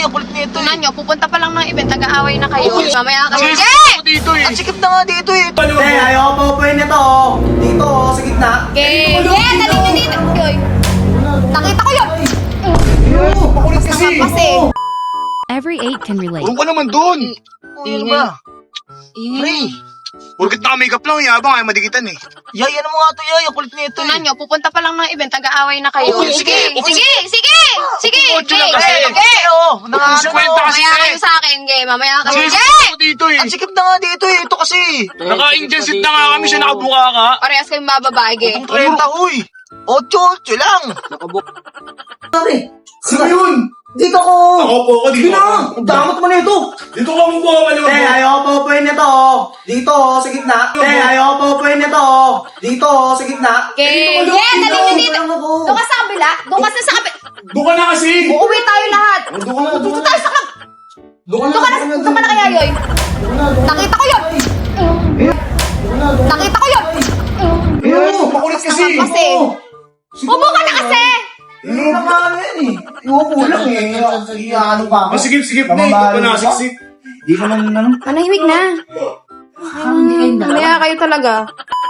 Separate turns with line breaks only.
Ang kulit nito
Tunan nyo, pupunta pa lang ng event, nag-aaway na kayo. Mamaya kayo.
dito eh. Ang sikip na nga dito eh.
Ayaw pa po yun ito. Dito, sa gitna.
Okay. Yeah, dali nyo dito. Yoy. Nakita ko yun.
Pakulit kasi.
Kasi.
Every 8 can relate.
Urong ka naman doon.
Ano ba? Pre.
Porkit naka-makeup lang, yabang ay madikitan eh.
Yay, ano mo nga to, Yay? Ang kulit nito
Tunan
eh.
nyo, pupunta pa lang ng event, nag-aaway na kayo.
Okay,
Sige,
okay.
sige, sige. Sige,
Kotse lang
okay.
kasi.
Okay.
Kung 50 kasi
Mamaya
eh.
kayo sa akin, game. Mamaya kayo.
Kasi
Yeah!
ako dito eh.
Ang sikip na nga dito eh. Ito kasi.
Naka-engine seat na nga kami siya, nakabuka ka.
Parehas kayong bababae, game.
Kung 30, uy. 8 lang.
Pare,
Sino yun?
dito ko.
Ako po ako dito.
Ang damot mo na ito.
Dito ka mong buka maliwag.
Ayaw pa po yun ito. Dito, sa gitna. Ayaw pa po yun ito. Dito, sa gitna.
Okay. Yeah, dali nyo dito. Doon ka sa kabila. Doon ka sa kabila.
Doon ka na kasi.
Uuwi tayo lahat.
Doon ka na.
Dito tayo sa club.
Doon
Doon ka na kaya, Yoy. Nakita ko yun. Nakita ko yun.
Pakulit kasi.
Kasi. Upo ka na kasi.
Hindi na nga yan eh. Iupo lang eh. Ano pa ako?
Masigip-sigip na eh. Ito na, siksik.
Di ka man ano.
Manahimik na. Mamaya kayo talaga.